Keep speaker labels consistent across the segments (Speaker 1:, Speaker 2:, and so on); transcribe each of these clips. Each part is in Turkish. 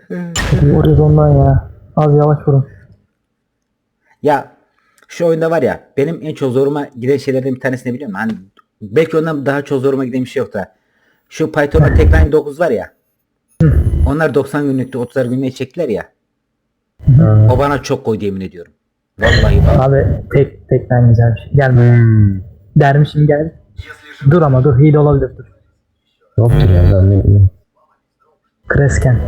Speaker 1: Oraya ondan ya. Az yavaş vurun.
Speaker 2: Ya şu oyunda var ya, benim en çok zoruma giden şeylerden bir tanesini biliyor musun? Hani belki ondan daha çok zoruma giden bir şey yok da. Şu Python'da Techline 9 var ya. Onlar 90 günlükte 30'ar günlüğe çektiler ya. O bana çok koydu, yemin ediyorum. Vallahi bak.
Speaker 1: Abi tekten güzel bir şey. Gelme. Dermişim gel. Dur ama dur. Hile olabilir dur.
Speaker 3: Yoktur ya ben ne bileyim.
Speaker 1: Kresken.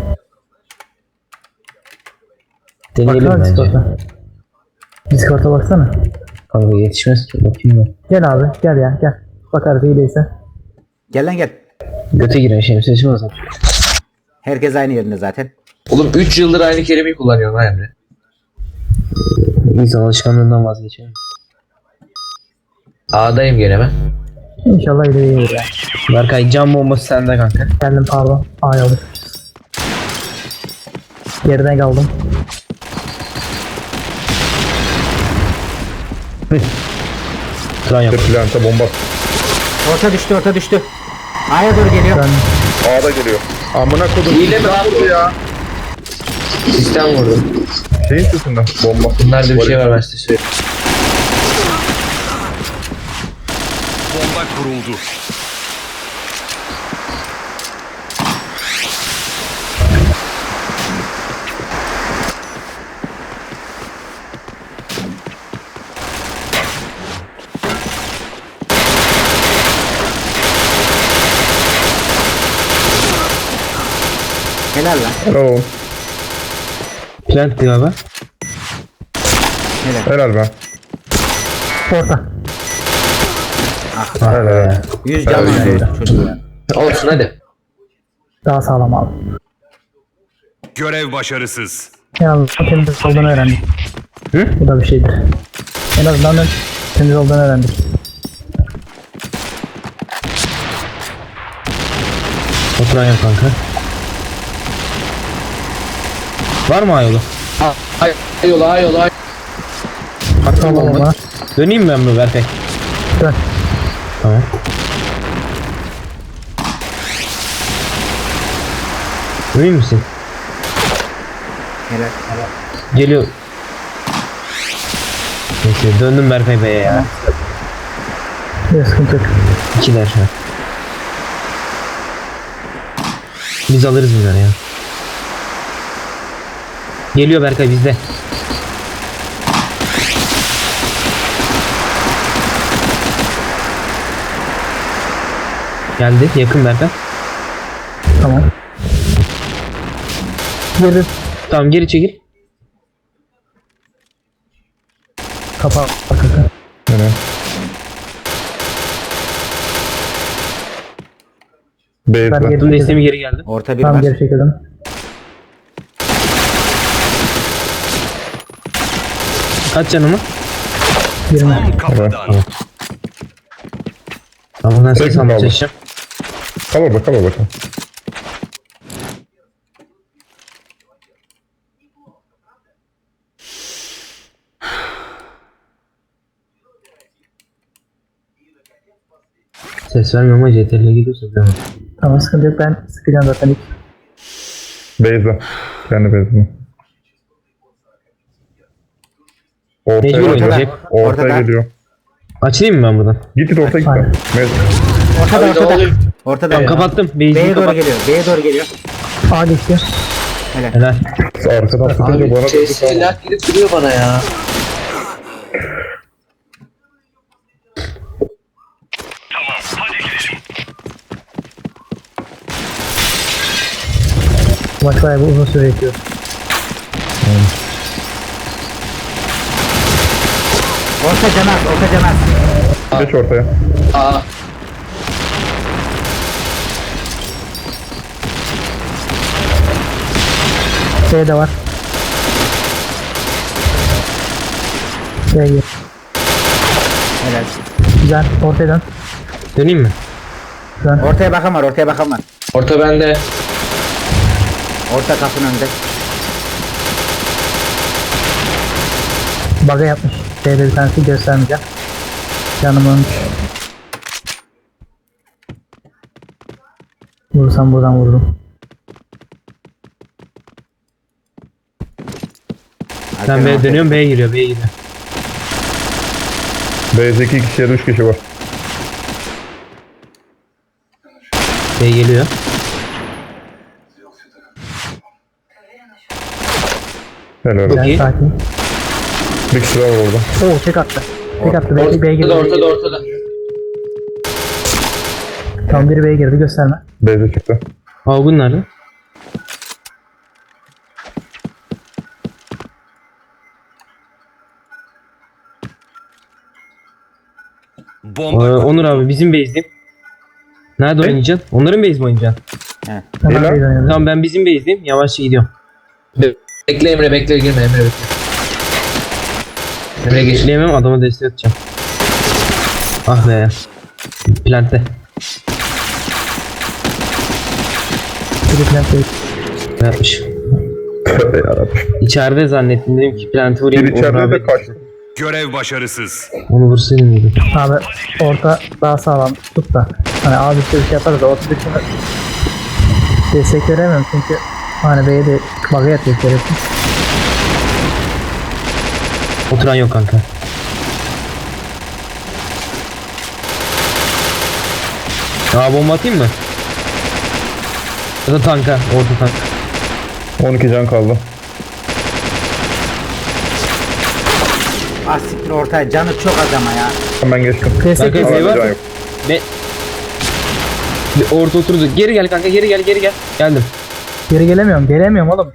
Speaker 3: Deneyelim
Speaker 1: Baksana
Speaker 3: bence.
Speaker 1: Discord'a. Discord'a baksana.
Speaker 3: Kanka yetişmez ki bakayım ben.
Speaker 1: Gel abi gel ya gel. Bakarız hileyse.
Speaker 2: Gel lan gel.
Speaker 3: Göte giren şemsiye çıkmaz.
Speaker 2: Herkes aynı yerinde zaten.
Speaker 4: Oğlum 3 yıldır aynı kelimeyi kullanıyorum ha Emre.
Speaker 3: İnsan alışkanlığından vazgeçemiyor.
Speaker 4: A'dayım gene ben.
Speaker 1: İnşallah hileye gelir ya.
Speaker 3: Berkay cam bombası sende kanka.
Speaker 1: Geldim pardon. Ay olur. Geriden kaldım.
Speaker 3: Tran yap.
Speaker 5: Planta bomba.
Speaker 2: Orta düştü, orta düştü. A'ya doğru geliyor.
Speaker 1: Ben
Speaker 5: A'da geliyor. Amına kodum.
Speaker 4: Hile mi lan bu?
Speaker 5: ya?
Speaker 4: Sistem vurdu.
Speaker 5: Şeyin sesinden. Bomba.
Speaker 4: Bunlarda bir şey var ben size söyleyeyim.
Speaker 6: Bomba kuruldu.
Speaker 2: Helal lan.
Speaker 5: Helal.
Speaker 3: Plant galiba.
Speaker 2: Helal.
Speaker 5: Helal be.
Speaker 1: orta.
Speaker 5: Helal.
Speaker 2: 100 can
Speaker 5: Helal.
Speaker 2: var çocuklar.
Speaker 4: Olsun hadi.
Speaker 1: Daha sağlam abi.
Speaker 6: Görev başarısız.
Speaker 1: En azından temiz olduğunu öğrendik. Bu da bir şeydir. En azından temiz olduğunu öğrendik.
Speaker 3: Oturan yap kanka. Var mı ayolu?
Speaker 4: Ay.
Speaker 3: Atma bomba.
Speaker 1: Bomba.
Speaker 3: Döneyim ben mi Berkay?
Speaker 1: Dön.
Speaker 3: Tamam. Emin misin?
Speaker 2: Helal.
Speaker 3: Geliyor. Neyse döndüm Berkay Bey'e ya.
Speaker 1: Bir sıkıntı yok.
Speaker 3: İkiler şu an. Biz alırız bunları ya. Geliyor Berkay bizde. Geldi yakın Berkay.
Speaker 1: Tamam. Geri
Speaker 3: Tamam geri çekil.
Speaker 1: kapağı arkası.
Speaker 5: Helal.
Speaker 1: Ben
Speaker 5: B'de.
Speaker 1: geri
Speaker 3: Dur
Speaker 1: çekildim.
Speaker 3: desteğimi geri geldi.
Speaker 2: Orta bir
Speaker 1: Tamam
Speaker 2: var.
Speaker 1: geri çekildim.
Speaker 3: Kaç canımı?
Speaker 1: 20.
Speaker 6: Tam kafadan.
Speaker 3: Tamam ben
Speaker 5: Tek
Speaker 3: ses
Speaker 5: mi
Speaker 3: almaya
Speaker 5: kaldı?
Speaker 3: çalışacağım.
Speaker 5: Cover bak, cover bakalım.
Speaker 3: Ses vermiyorum ama CTRL'e gidiyorsa bilemem.
Speaker 1: Tamam sıkıntı yok ben sıkacağım zaten ilk.
Speaker 5: B'de. Kendi B'de.
Speaker 3: Mecbur
Speaker 5: Ortaya,
Speaker 3: oynayacak.
Speaker 5: ortaya
Speaker 2: Ortada.
Speaker 5: geliyor.
Speaker 3: Açayım mı ben buradan?
Speaker 5: Git ortaya git.
Speaker 1: Aynen.
Speaker 2: Ortada,
Speaker 4: Abi ne
Speaker 2: ortada.
Speaker 4: oluyor?
Speaker 2: Ortada.
Speaker 3: Tamam kapattım.
Speaker 2: B'ye
Speaker 3: B'yi
Speaker 2: doğru
Speaker 3: kapat.
Speaker 2: geliyor. B'ye doğru geliyor.
Speaker 1: A geçti.
Speaker 3: Helal.
Speaker 5: Arkadan sıkınca
Speaker 4: Abi
Speaker 5: bana
Speaker 4: CS lag gidip duruyor bana ya.
Speaker 1: Maç bayağı bir uzun süre yetiyor.
Speaker 2: Orta canaz, orta canaz.
Speaker 5: geç ortaya.
Speaker 4: Aa.
Speaker 1: C de var. C gir.
Speaker 2: Helal.
Speaker 1: Güzel. Ortaya dön.
Speaker 3: Döneyim mi?
Speaker 1: Dön.
Speaker 2: Ortaya bakan var, ortaya bakan var.
Speaker 4: Orta bende.
Speaker 2: Orta kapının önünde.
Speaker 1: Bug'a yapmış. C'de bir tanesi göstermeyeceğim. Canımın. Vursam buradan vururum.
Speaker 3: Ben B'ye dönüyorum, B'ye giriyor, B'ye giriyor.
Speaker 5: B'de 2 kişi ya da 3 kişi var.
Speaker 3: B geliyor.
Speaker 5: Helal.
Speaker 3: Çok iyi.
Speaker 1: Sakin.
Speaker 5: Bir kişi daha var orada.
Speaker 1: Oo tek attı. Tek attı. B'ye girdi.
Speaker 4: Ortada.
Speaker 1: Tam biri B'ye girdi, gösterme.
Speaker 5: B'de çıktı.
Speaker 3: Avgun nerede?
Speaker 6: Bomba
Speaker 3: Onur abi bizim base'deyim. Nerede oynayacaksın? Onların base mi oynayacaksın?
Speaker 1: Hemen
Speaker 5: Helal.
Speaker 1: B'ye dönüyorum.
Speaker 3: Tamam ben bizim base'deyim. Yavaşça gidiyorum.
Speaker 4: Bekle Emre bekle girme Emre bekle. Emre geç.
Speaker 3: Geçleyemem, adama destek atacağım. Ah be. Plant'te.
Speaker 1: Biri plant değil.
Speaker 3: Ne yapmış?
Speaker 5: Tövbe yarabbim.
Speaker 3: İçeride zannettim, dedim ki plant'ı vurayım.
Speaker 5: Bir
Speaker 3: Onur
Speaker 5: içeride
Speaker 3: abi-
Speaker 5: de kaçtı.
Speaker 6: görev başarısız.
Speaker 3: Onu vursaydım dedim.
Speaker 1: Abi orta daha sağlam tut da. Hani abi işte bir şey yaparız da orta dışında destek veremem çünkü hani B'ye de bug'a yatıyor gerekli.
Speaker 3: Oturan yok kanka. Aa bomba atayım mı? Ya da tanka, orta tank.
Speaker 5: 12 can kaldı.
Speaker 2: Ah siktir ortaya canı çok az ama ya.
Speaker 5: Ben geçtim.
Speaker 1: Destek
Speaker 3: Kanka,
Speaker 5: Ama
Speaker 3: Bey var.
Speaker 5: can yok.
Speaker 3: Bir orta oturdu. Geri gel kanka, geri gel. Geldim.
Speaker 1: geri gelemiyorum oğlum.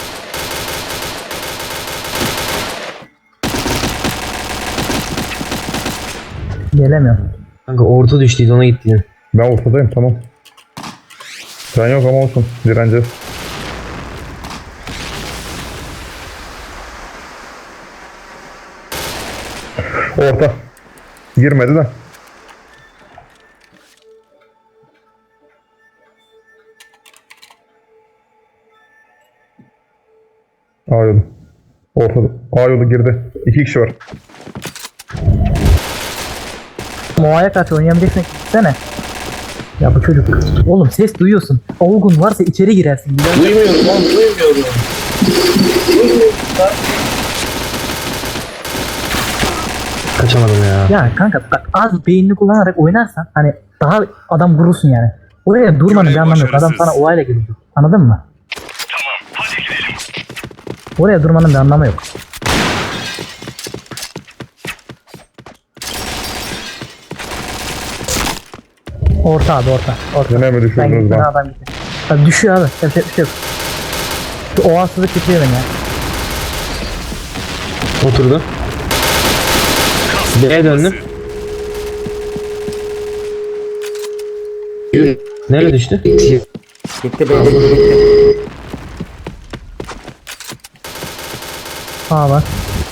Speaker 1: Gelemiyorum.
Speaker 3: Kanka orta düştüydü, ona gittiydim.
Speaker 5: Ben ortadayım tamam. Can yok ama olsun. Direneceğiz. Orta. Girmedi de. A yolu. Ortada. A yolu girdi. 2 kişi var.
Speaker 1: Moa'ya karşı oynayamayacaksın gitsene. Ya bu çocuk. Oğlum ses duyuyorsun. Olgun varsa içeri girersin. Güzel.
Speaker 4: Duymuyorum oğlum duymuyorum.
Speaker 3: Kaçamadım ya.
Speaker 1: Ya kanka bak az beynini kullanarak oynarsan hani daha adam vurursun yani. Oraya durmanın bir
Speaker 6: Görev
Speaker 1: anlamı yok. Adam
Speaker 6: başarısız.
Speaker 1: sana olayla gelecek. Anladın mı? Oraya durmanın bir anlamı yok. Orta abi orta.
Speaker 5: Yine mi
Speaker 1: Ben
Speaker 5: düşürdünüz
Speaker 1: gittim
Speaker 5: lan?
Speaker 1: adam gitti. Abi düşüyor abi. Yapacak bir şey yok. Şu oğansızlık bitiriyor beni ya.
Speaker 3: Oturdu. B'ye döndüm. Nereye düştü?
Speaker 2: Gitti B'de gitti.
Speaker 1: Sağ var.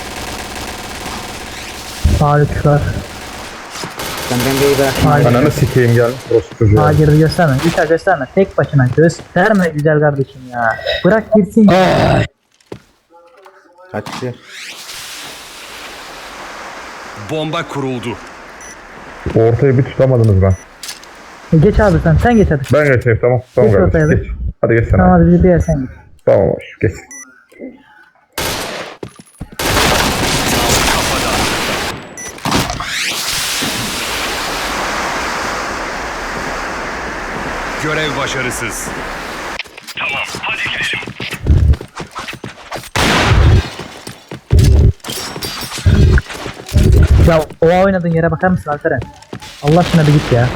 Speaker 1: Sağ üç var.
Speaker 2: Ben B'yi bıraktım.
Speaker 1: Hayır.
Speaker 5: Ananı sikeyim gel. Burası çocuğu.
Speaker 1: Sağa girdi gösterme. Üçer gösterme. Tek başına gösterme güzel kardeşim ya. Bırak girsin.
Speaker 2: Kaçtı.
Speaker 6: Bomba kuruldu.
Speaker 5: Ortayı bir tutamadınız lan.
Speaker 1: Geç abi sen geç hadi.
Speaker 5: Ben geçeyim tamam. Tamam
Speaker 1: Geç
Speaker 5: kardeşim
Speaker 1: ortaya
Speaker 5: geç. Hadi geç sen.
Speaker 1: Tamam
Speaker 5: abi.
Speaker 1: hadi bir yer sen git.
Speaker 5: Tamam hoş geç.
Speaker 6: Görev başarısız.
Speaker 1: Ya o oynadığın yere bakar mısın Alperen? Allah aşkına bir git ya.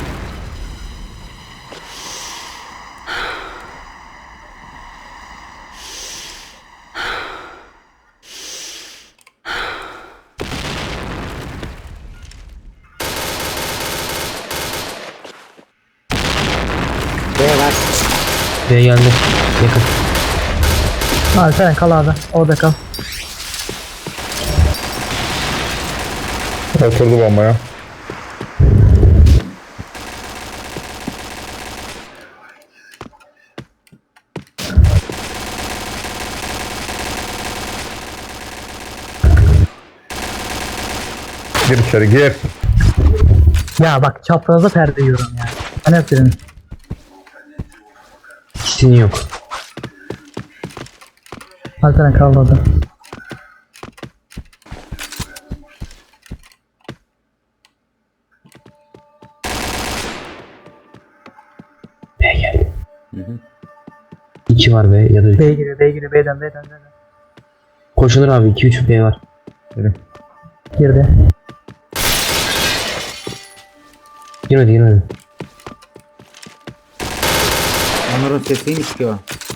Speaker 2: B var.
Speaker 3: B geldi. Yakın.
Speaker 1: Alperen kal abi. Orada kal.
Speaker 5: Oturdu bombaya. Gir içeri gir.
Speaker 1: Ya bak çapraza perde yiyorum ya. Ben hep dedim.
Speaker 3: Kitin yok.
Speaker 1: Alperen kal orada.
Speaker 3: 2 var be ya da 3.
Speaker 1: B giriyor, B giriyor, B'den, B'den, B'den.
Speaker 3: Koşulur abi 2-3 B var.
Speaker 1: Girdi.
Speaker 3: Girmedi.
Speaker 2: Onur'un sesiymiş ki o.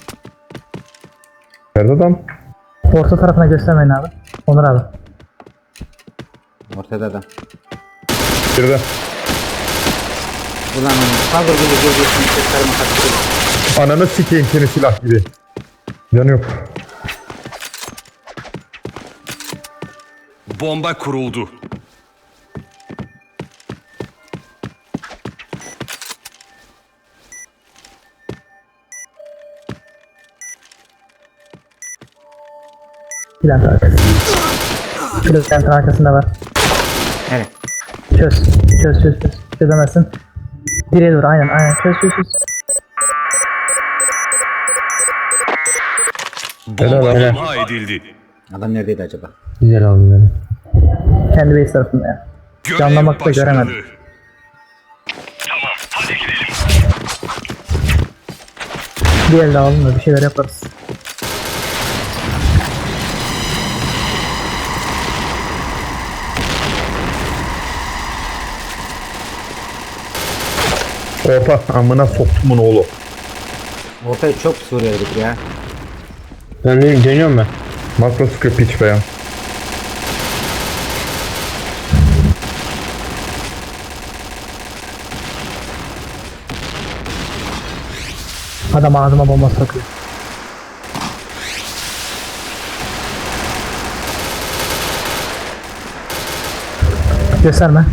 Speaker 5: Nerede adam?
Speaker 1: Orta tarafına göstermeyin abi. Onur abi.
Speaker 2: Ortada adam.
Speaker 5: Girdi.
Speaker 2: Ulan Onur. Kaldır geri seslerime kaçırıyor.
Speaker 5: Ananı sikeyim seni silah gibi. Canı yok.
Speaker 6: Bomba kuruldu.
Speaker 1: Plant arkası. Plantın arkasında var.
Speaker 2: Evet.
Speaker 1: Çöz. Çözemezsin. Direğe doğru, aynen. Çöz.
Speaker 6: Bomba
Speaker 5: Helal.
Speaker 6: imha edildi.
Speaker 2: Adam neredeydi acaba?
Speaker 3: Güzel abi güzel.
Speaker 1: Kendi base tarafında ya.
Speaker 6: Görev
Speaker 1: Canlamakta
Speaker 6: başarılı.
Speaker 1: göremedim. Bir elde alalım da bir şeyler yaparız.
Speaker 5: Orta amına soktumun oğlu.
Speaker 2: Ortaya çok pis vuruyoruz ya.
Speaker 3: Ben dönüyorum ben.
Speaker 5: Makro sıkıyor piç be ya.
Speaker 1: Adam ağzıma bomba sokuyor. Gösterme.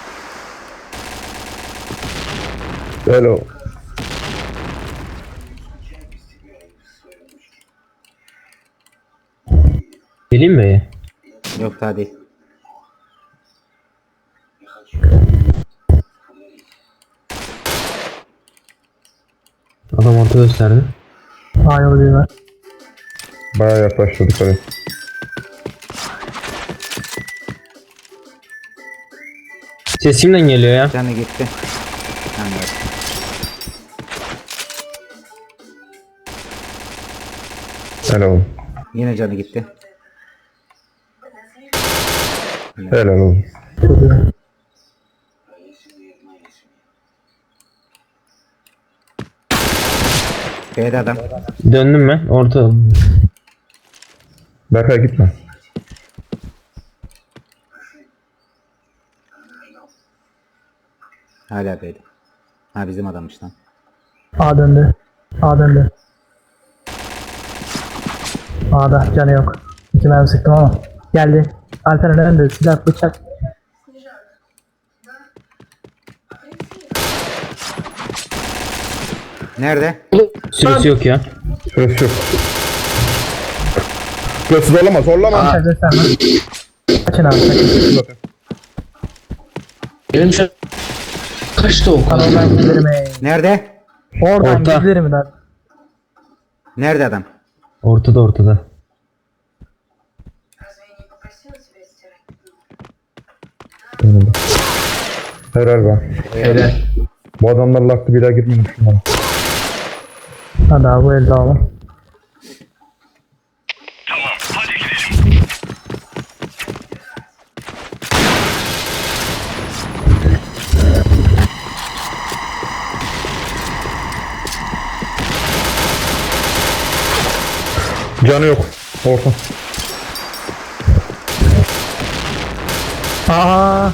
Speaker 5: Hello.
Speaker 3: Geleyim mi B'ye?
Speaker 2: Yok daha değil.
Speaker 3: Adam orta gösterdi.
Speaker 1: A yolu bir var.
Speaker 5: Bayağı yaklaştı dikkat et.
Speaker 3: Ses kimden geliyor ya?
Speaker 2: Canı gitti. Anladım.
Speaker 5: Helal.
Speaker 2: Yine canı gitti.
Speaker 5: Helal oğlum.
Speaker 1: Çok iyi.
Speaker 2: B'de adam.
Speaker 3: Döndüm ben. Orta.
Speaker 5: Berkay gitme.
Speaker 2: Hala B'de. Ha bizim adammış lan.
Speaker 1: A döndü. A'da canı yok. 2 mermi sıktım ama. Geldi. Alperen önde. Silah, bıçak.
Speaker 2: Nerede?
Speaker 3: Süresi yok ya.
Speaker 5: Süresi yok. Süresi zorlama.
Speaker 1: Bıçak gösterme. Kaçın abi, kaçın.
Speaker 4: Benim şu an kaçtı o kadar?
Speaker 1: Oradan giderim.
Speaker 2: Nerede?
Speaker 1: Oradan
Speaker 3: Orta.
Speaker 1: giderim ben.
Speaker 2: Nerede adam?
Speaker 3: Ortada.
Speaker 5: Helal be.
Speaker 4: Helal.
Speaker 5: Bu adamlarla aklı bir daha girmeyin şunlara.
Speaker 1: Hadi abi bu elde alalım.
Speaker 5: Canı yok. Orta.
Speaker 1: Aa.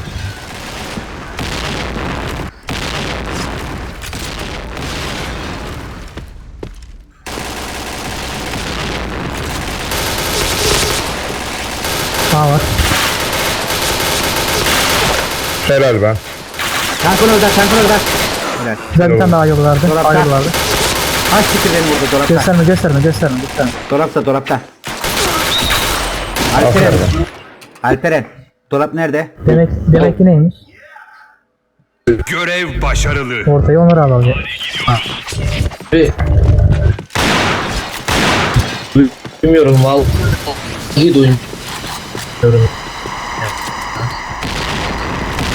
Speaker 1: A var.
Speaker 5: Helal be.
Speaker 2: Tankın orada. Helal.
Speaker 1: Güzel bir tane daha yolu vardı.
Speaker 2: Dolapta.
Speaker 1: A yolu vardı.
Speaker 2: Kaç sikir beni vurdu dolapta.
Speaker 1: Gösterme.
Speaker 2: Dolapta. Alperen. Dolap nerede?
Speaker 1: Demek ki neymiş?
Speaker 6: Görev başarılı.
Speaker 1: Ortayı Onur abi alacak.
Speaker 4: Duymuyorum vallahi duymuyorum.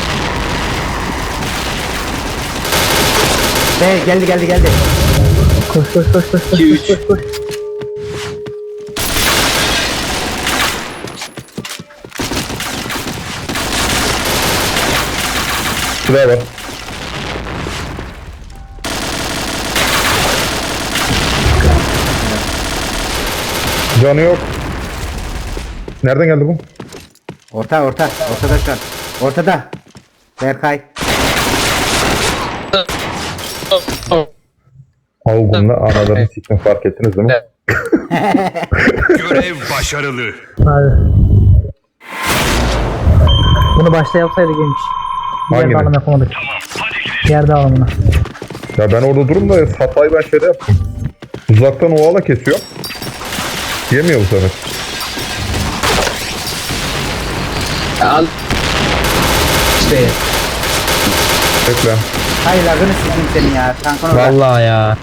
Speaker 2: Geldi.
Speaker 1: Koş koş koş koş koş
Speaker 3: 2,
Speaker 1: koş koş koş.
Speaker 5: Silah var. Canı yok. Nereden geldi bu?
Speaker 2: Ortada şu an. Ortada. Berkay.
Speaker 5: Avgun'la anadan siktim, fark ettiniz değil mi?
Speaker 6: Görev başarılı.
Speaker 1: Abi. Bunu başta yapsaydık iyiymiş. Diğer
Speaker 5: Hangini?
Speaker 1: dağılım yapamadık. Diğer dağılımına.
Speaker 5: Ya ben orada durum da hatayı ben şeyde yaptım. Uzaktan ovala kesiyor. Yemiyor bu sefer.
Speaker 4: Al. İşte
Speaker 5: Bekle.
Speaker 2: Hayır lagını sikeyim senin ya. Tankın orada.
Speaker 3: Vallahi ya.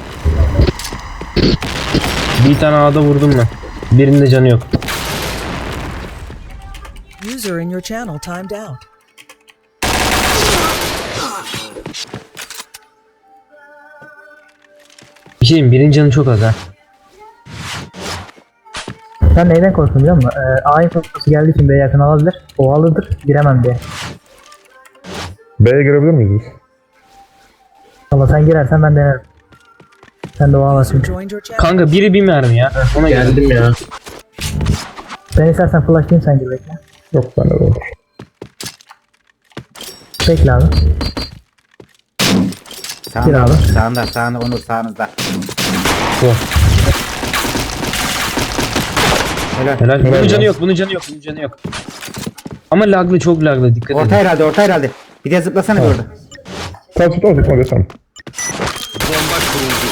Speaker 3: Bir tane A'da vurdum ben. Birinde canı yok.
Speaker 7: User in your channel timed out.
Speaker 3: Bir şey diyeyim, birinin canı çok az ha.
Speaker 1: Ben neyden korktum biliyor musun? A infosu geldiği için B'ye yakın alabilir. O alırdır. Giremem diye.
Speaker 5: B'ye girebilir miyiz biz?
Speaker 1: Valla sen girersen ben denerim. Sen de o alasın.
Speaker 7: Joined your channel.
Speaker 3: Kanka biri bir mermi ya. Ona geldi.
Speaker 4: geldim ya.
Speaker 1: Ben istersen flashlayayım sen gir bekle.
Speaker 5: Yok bende de olur.
Speaker 1: Bekle abi.
Speaker 2: Sağında,
Speaker 1: Gir abi.
Speaker 2: sağında Onur sağınızda.
Speaker 3: Bu.
Speaker 2: Helal.
Speaker 3: Helal. Bunun
Speaker 5: Helal
Speaker 3: canı
Speaker 5: ya.
Speaker 3: yok, bunun canı yok, bunun canı yok. Ama laglı, çok laglı, dikkat
Speaker 2: Orta
Speaker 3: edin.
Speaker 2: herhalde, orta herhalde. Bir de zıplasana bir orada.
Speaker 5: Tamam desem.
Speaker 6: Bomba kuruldu.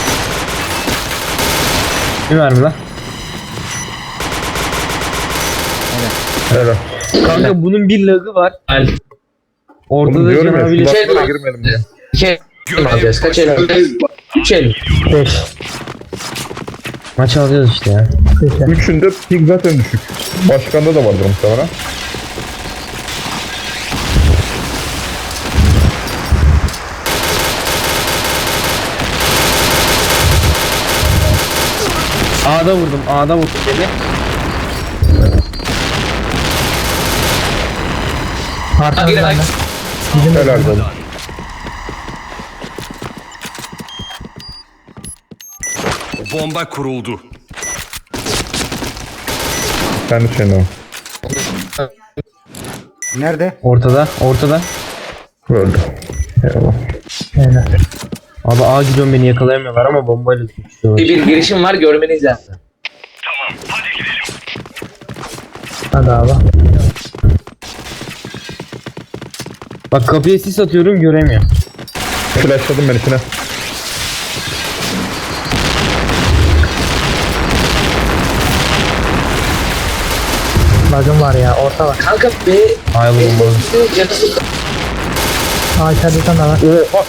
Speaker 3: Bir mermi lan.
Speaker 5: Helal.
Speaker 3: Kanka bunun bir lagı var.
Speaker 4: Al.
Speaker 3: Ortada
Speaker 5: Bunu diyorum ya.
Speaker 3: canavar bile.
Speaker 5: Kulaklara girmeyelim diye.
Speaker 4: 2 el alacağız. Kaç el alacağız? 3 el.
Speaker 1: 5.
Speaker 3: Maç alacağız işte ya.
Speaker 1: Bekle.
Speaker 5: Üçünde ping zaten düşük. Başkanda da vardır muhtemelen.
Speaker 3: A'da vurdum beni.
Speaker 1: Arkamdan
Speaker 4: Gir,
Speaker 1: ben.
Speaker 4: ay.
Speaker 1: Bizim de
Speaker 5: Helal olsun.
Speaker 6: Bomba kuruldu.
Speaker 5: Kendi şeyinden.
Speaker 2: Nerede?
Speaker 3: Ortada.
Speaker 5: Öldü. Eyvallah.
Speaker 1: Helal.
Speaker 3: Abi A gidiyorum, beni yakalayamıyorlar ama bombayla tutuyorlar.
Speaker 4: Bir girişim var, görmeniz lazım.
Speaker 1: Hadi abi.
Speaker 3: Bak kapıya sis atıyorum, göremiyor.
Speaker 5: Flashladım ben içine.
Speaker 1: Lagım var ya. Orta var.
Speaker 4: Kanka B.
Speaker 3: Ay bu bomba.
Speaker 4: Canı sıkı.
Speaker 1: Aa içeride sen de var.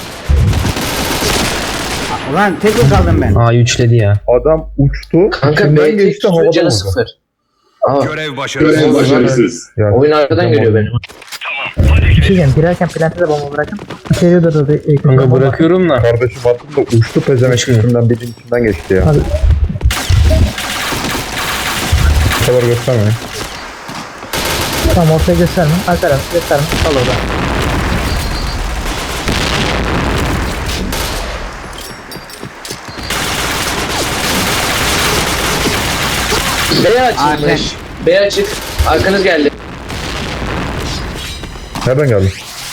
Speaker 2: Ulan tek mi kaldım ben?
Speaker 3: A üçledi ya.
Speaker 5: Adam uçtu.
Speaker 4: Kanka
Speaker 5: içinden
Speaker 4: B
Speaker 5: geçti,
Speaker 4: tek
Speaker 5: havada
Speaker 4: canı
Speaker 5: vurdu.
Speaker 4: 0. Aa,
Speaker 6: Görev başarısız.
Speaker 5: Ya,
Speaker 4: oyun arkadan geliyor benim.
Speaker 1: Bir şey diyeceğim. Girerken plante de bomba bırakın. İçeriye de
Speaker 3: Kanka bırakıyorum da.
Speaker 5: kardeşim attım da uçtu pezevenk
Speaker 3: Uçmuyor.
Speaker 5: üstünden, birinin içinden geçti ya.
Speaker 1: Hadi.
Speaker 5: Bu kadar göstermeyin.
Speaker 1: Tamam ortaya gösterme. Alperen gösterme. Al orada.
Speaker 4: B açılmış. B açık. Arkanız geldi.
Speaker 5: Nereden geldi?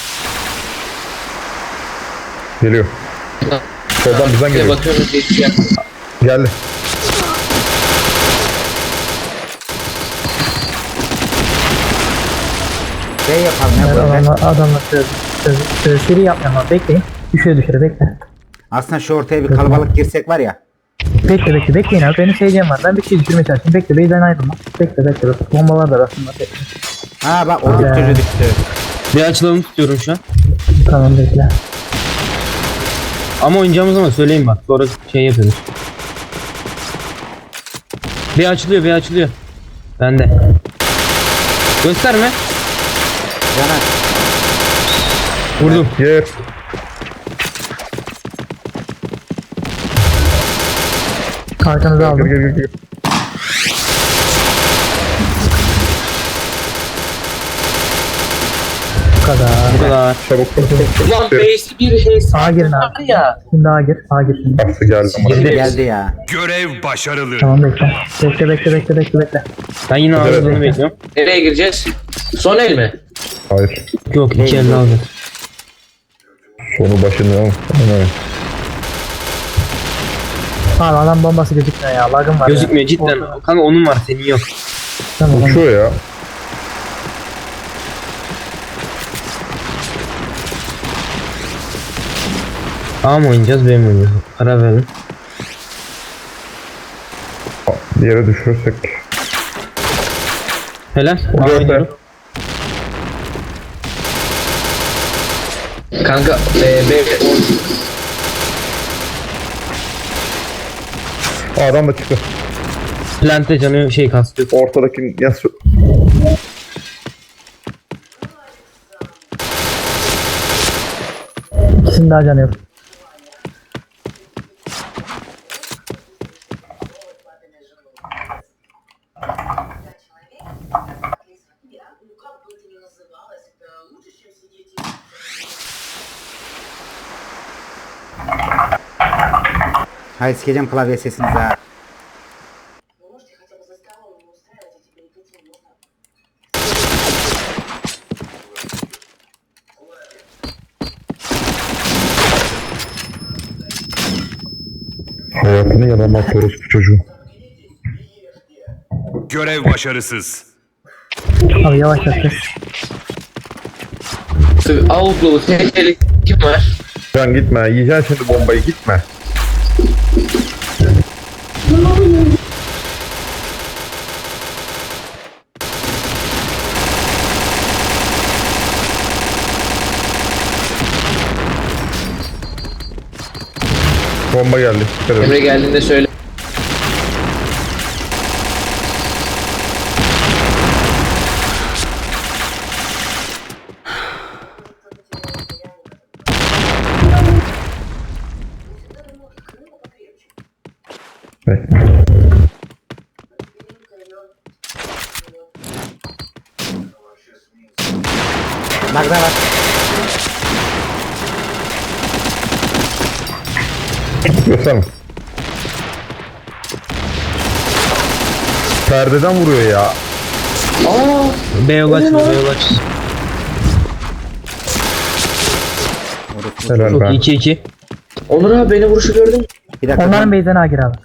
Speaker 5: Geliyor. Soldan bizden
Speaker 4: Bir
Speaker 5: geliyor.
Speaker 4: bakıyorum diye bir şey yapmadım.
Speaker 5: Geldi.
Speaker 2: Şey yapalım ya
Speaker 1: Evet,
Speaker 2: böyle.
Speaker 1: adamlar seri yapmayalım abi. Bekleyin. Düşüyor bekle.
Speaker 2: Aslında şu ortaya bir kalabalık girsek var ya.
Speaker 1: Bekleyin abi. Benim seyircim var. Ben bir şey düşürmeye çalışayım. Bekle. Beyden ayrılma. Bekle. Bombalar da aslında. Bekle.
Speaker 2: Ha bak o çocuğu düştü.
Speaker 3: Bir açılalım tutuyorum şu an.
Speaker 1: Tamam bekle.
Speaker 3: Ama oynayacağımız zaman söyleyin bak. Sonra şey yapıyoruz. B açılıyor. Bende. Gösterme.
Speaker 2: Caner.
Speaker 3: Vurdum.
Speaker 5: Yer.
Speaker 1: Arkanızı
Speaker 5: Gel
Speaker 1: aldım.
Speaker 5: gel gel gel.
Speaker 1: Bu kadar.
Speaker 3: Bu kadar.
Speaker 5: Çabuk.
Speaker 4: Ulan base'i bir hesap
Speaker 1: Sağa girin
Speaker 4: var
Speaker 1: abi.
Speaker 4: ya.
Speaker 1: Şimdi A gir. A gir şimdi.
Speaker 5: Aslı geldi.
Speaker 2: Geldi ya.
Speaker 6: Görev başarılı.
Speaker 1: Tamam bekle. Bekle.
Speaker 3: Ben yine
Speaker 5: Evet.
Speaker 3: ağzını bekliyorum.
Speaker 4: Nereye gireceğiz? Son el mi?
Speaker 5: Hayır.
Speaker 3: Yok 2 elde aldım.
Speaker 5: Sonu başını al. Aynen.
Speaker 1: Abi adam bombası gözükmüyor ya. Lagım var
Speaker 3: Gözükmüyor
Speaker 1: ya.
Speaker 3: cidden.
Speaker 1: Ortada.
Speaker 3: Kanka onun var senin yok.
Speaker 1: Tamam.
Speaker 5: Uçuyor ya.
Speaker 3: A mı oynayacağız B mi oynayacağız? Karar verin.
Speaker 5: Bir yere düşürürsek.
Speaker 3: Helal. A
Speaker 5: Göster.
Speaker 3: oynuyorum.
Speaker 4: Kanka
Speaker 5: Adam da çıktı.
Speaker 3: Plante canı şey kastıyor.
Speaker 5: Ortadaki yas.
Speaker 1: İkisinin daha canı yok.
Speaker 8: Как бы это ни называлось, это лучше, чем сидеть и...
Speaker 2: Hayır sikeceğim klavye sesinizi ha.
Speaker 8: Вы можете хотя бы за столом не устраивать эти перипетии, можно?
Speaker 5: Hayatını yalan atıyoruz bu çocuğu.
Speaker 6: Görev başarısız.
Speaker 1: Abi yavaş yavaş.
Speaker 4: Avuklu tehlikeli kim var?
Speaker 5: Can gitme. Yiyeceksin şimdi bombayı, gitme. Bomba geldi. Dikkat edin.
Speaker 4: Emre geldiğinde söyle.
Speaker 5: Bekle.
Speaker 2: Lagda var.
Speaker 5: Gösterme. Perdeden vuruyor ya.
Speaker 3: B yol aç. B yol aç.
Speaker 5: Helal
Speaker 3: Çok
Speaker 5: ben.
Speaker 3: iyi 2-2.
Speaker 4: Onur abi beni vuruşu gördün mü?
Speaker 2: Bir dakika.
Speaker 1: Onların base'den A gir abi.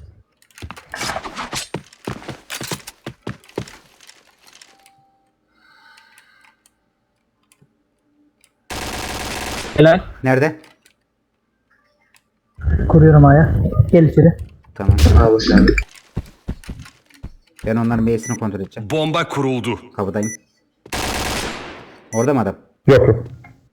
Speaker 3: Helal.
Speaker 2: Nerede?
Speaker 1: Kuruyorum A'ya. Gel içeri.
Speaker 2: Tamam.
Speaker 4: Aa boş ver.
Speaker 2: Ben onların base'ini kontrol edeceğim.
Speaker 6: Bomba kuruldu.
Speaker 2: Kapıdayım. Orada mı adam?
Speaker 5: Yok yok.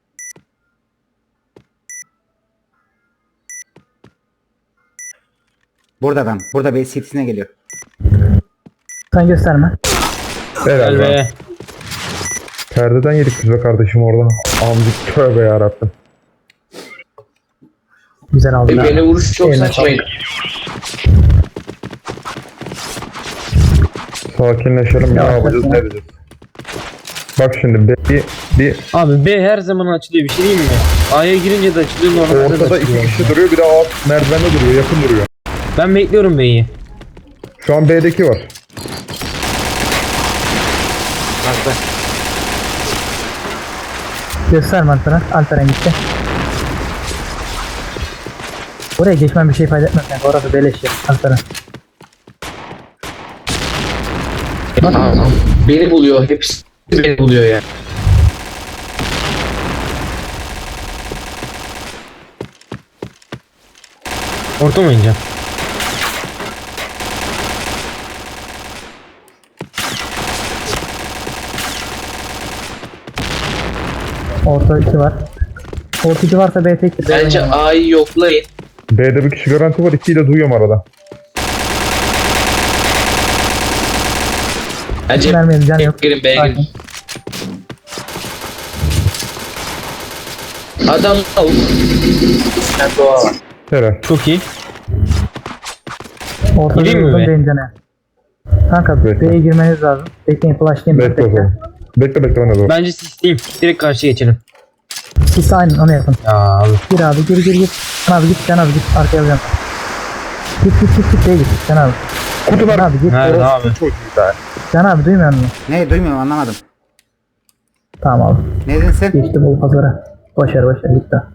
Speaker 2: Burada adam. Burada base city'sine geliyor.
Speaker 1: Sen gösterme.
Speaker 5: Helal
Speaker 3: Gel
Speaker 5: be.
Speaker 3: be.
Speaker 5: Perdeden yedik biz be kardeşim oradan. Amcık tövbe yarabbim.
Speaker 1: Güzel aldın
Speaker 4: Beni
Speaker 1: abi.
Speaker 4: vuruş çok
Speaker 1: Eline
Speaker 4: saçmaydı.
Speaker 5: Sakinleşelim, ne
Speaker 1: Ya,
Speaker 5: yapacağız,
Speaker 1: sakin.
Speaker 5: ne edeceğiz. Bak şimdi bir
Speaker 3: Abi B her zaman açılıyor bir şey diyeyim mi? A'ya girince de açılıyor normalde de
Speaker 5: ortada iki
Speaker 3: açılıyor.
Speaker 5: kişi duruyor, bir de alt merdivende duruyor, yakın duruyor.
Speaker 3: Ben bekliyorum B'yi.
Speaker 5: Şu an B'deki var.
Speaker 2: Lagda.
Speaker 1: Gösterme Alperen. Alperen gitti. Oraya geçmem bir şey fayda etmez. Yani orası beleş ya. Alperen.
Speaker 4: Aa, beni buluyor. Hepsi beni buluyor ya.
Speaker 3: Orta mı oynayacağım?
Speaker 1: Orta 2 var. Orta 2 varsa B tek.
Speaker 4: Bence A'yı yoklayın.
Speaker 5: B'de bir kişi garanti var, ikiyi de duyuyorum arada.
Speaker 4: Bence
Speaker 1: Vermeyelim, can yok.
Speaker 4: girin B'ye girin.
Speaker 1: Sakin.
Speaker 4: Adam avuk. Ben doğa var.
Speaker 5: Helal.
Speaker 3: Çok iyi.
Speaker 1: Orta
Speaker 3: Gireyim mi
Speaker 1: yoldan
Speaker 3: be?
Speaker 1: dengene. Kanka
Speaker 5: Bekle.
Speaker 1: B'ye girmeniz lazım. Bekleyin flashlayayım.
Speaker 5: Bekle o zaman. Bekle ben de dur.
Speaker 3: Bence sisleyeyim. Direkt karşıya geçelim.
Speaker 1: Siz aynen onu yapın.
Speaker 3: Ya abi.
Speaker 1: Gir abi gir. Sen abi git arkaya alacağım. Git B'ye git sen abi.
Speaker 5: Kutular.
Speaker 1: Sen abi git.
Speaker 3: Nerede abi?
Speaker 5: Çocuğu da.
Speaker 1: Sen abi duymuyor musun?
Speaker 2: Ne duymuyorum anlamadım.
Speaker 1: Tamam abi.
Speaker 2: Ne dedin sen?
Speaker 1: Geçti bol pazara. Başar git daha.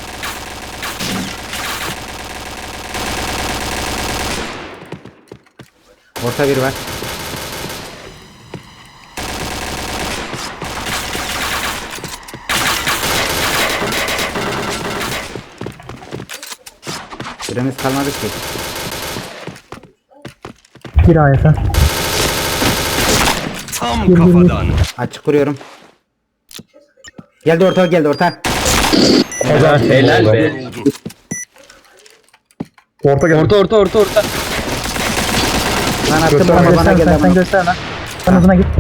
Speaker 2: Orta bir var. Süremiz kalmadı ki.
Speaker 1: Gir A'ya sen.
Speaker 6: Tam kafadan.
Speaker 2: Açık kuruyorum. Geldi orta.
Speaker 4: Helal be.
Speaker 6: Vuruldu.
Speaker 5: Orta gel.
Speaker 3: Orta.
Speaker 2: Lan attım
Speaker 5: Göster,
Speaker 2: ama bana
Speaker 1: Göster
Speaker 2: geldi
Speaker 1: sen
Speaker 2: ama.
Speaker 1: göster lan. Sen uzuna git.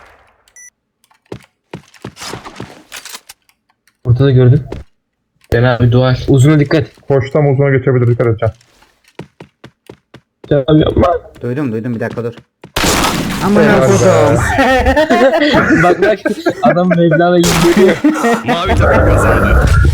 Speaker 3: Ortada gördüm.
Speaker 4: Ben abi dual.
Speaker 3: Uzuna dikkat.
Speaker 5: Koştam uzuna geçebilir dikkat edeceğim.
Speaker 3: Ya yapma.
Speaker 2: Duydum bir dakika dur. Aman Allah'ım.
Speaker 3: bak adam Mevlana gibi görüyor.
Speaker 6: Mavi takım kazandı.